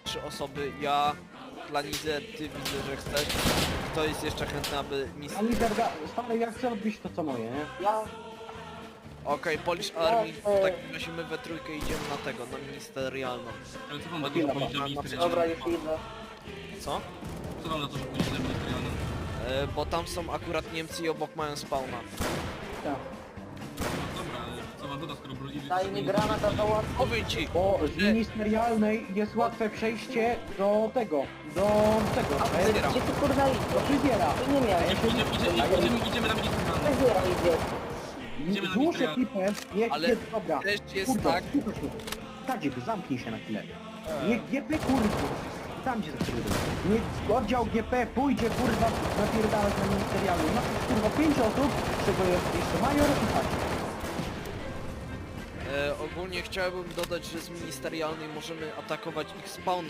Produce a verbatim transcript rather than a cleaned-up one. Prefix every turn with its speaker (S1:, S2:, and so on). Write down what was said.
S1: trzy osoby, ja, Planizę, ty widzę, że chcesz. Kto jest jeszcze chętny, aby mis...
S2: A Lizarda, stary, ja chcę odbić to co moje, nie?
S3: Ja...
S1: Okej, Polish Army, w takim razie my we trójkę idziemy na tego, na ministerialną.
S4: Ale co wam na to,
S1: Chwila,
S4: że pójdziesz
S1: na-
S4: na
S1: na-
S4: ministerialną?
S3: Dobra, już idę.
S1: Co?
S4: Co wam na to, że pójdziesz na ministerialną?
S1: E, bo tam są akurat Niemcy i obok mają spawna.
S2: Tak.
S4: No dobra, ale co wam doda, skoro broni...
S3: Daj mi granat, a to łatwo.
S1: Powiem ci,
S2: Bo z ministerialnej jest łatwe przejście do tego, do tego,
S3: A
S2: e,
S3: ty, gdzie ty kurwa
S2: do
S3: idziesz?
S2: fryzjera.
S3: Ty nie miałeś.
S4: Idziemy, idziemy, idziemy, idziemy na ministerialną.
S3: Fryzjera idzie.
S4: Idziemy na
S2: Złóż
S4: ministerialną.
S2: ekipę, niech
S1: Ale
S2: jest, dobra.
S1: też jest
S2: Kurwa,
S1: tak-
S2: słuchaj mnie. Tadzik, zamknij się na chwilę. Niech G P kurwa, tam gdzie zaczęły. Niech oddział G P pójdzie kurwa napierdalać na ministerialną. Na kurwa pięć osób, z czego jest jeszcze major i tak.
S1: e, ogólnie chciałbym dodać, że z ministerialnej możemy atakować ich spawn